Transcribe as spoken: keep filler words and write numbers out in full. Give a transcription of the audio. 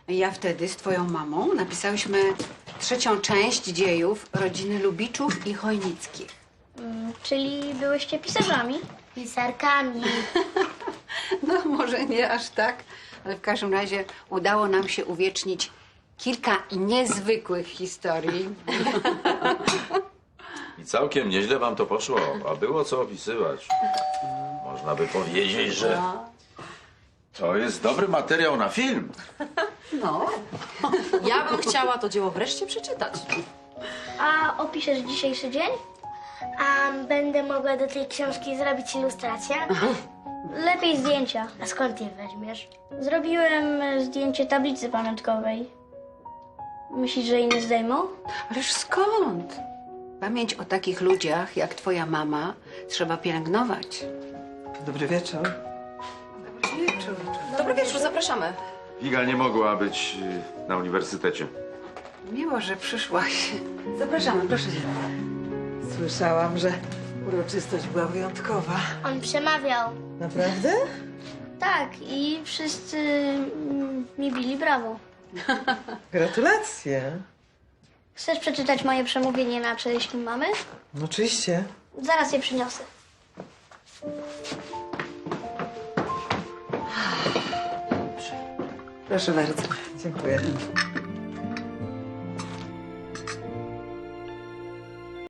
Ja wtedy z twoją mamą napisałyśmy trzecią część dziejów rodziny Lubiczów i Chojnickich. Mm, czyli byłyście pisarzami? Pisarkami. No, może nie aż tak, ale w każdym razie udało nam się uwiecznić kilka niezwykłych historii. I całkiem nieźle wam to poszło, a było co opisywać. Można by powiedzieć, że to jest dobry materiał na film. No, Ja bym chciała to dzieło wreszcie przeczytać. A opiszesz dzisiejszy dzień? A będę mogła do tej książki zrobić ilustrację? Lepiej zdjęcia. A skąd je weźmiesz? Zrobiłem e, zdjęcie tablicy pamiątkowej. Myślisz, że inne zdejmą? ależ skąd? Pamięć o takich ludziach jak twoja mama trzeba pielęgnować. Dobry wieczór. Dobry wieczór, zapraszamy. Iga nie mogła być y, na uniwersytecie. Miło, że przyszłaś. Zapraszamy, proszę się. Słyszałam, że uroczystość była wyjątkowa. On przemawiał. Naprawdę? Tak, i wszyscy mm, mi bili brawo. Gratulacje. Chcesz przeczytać moje przemówienie na cześć mamy? No oczywiście. Zaraz je przyniosę. Proszę bardzo. Dziękuję.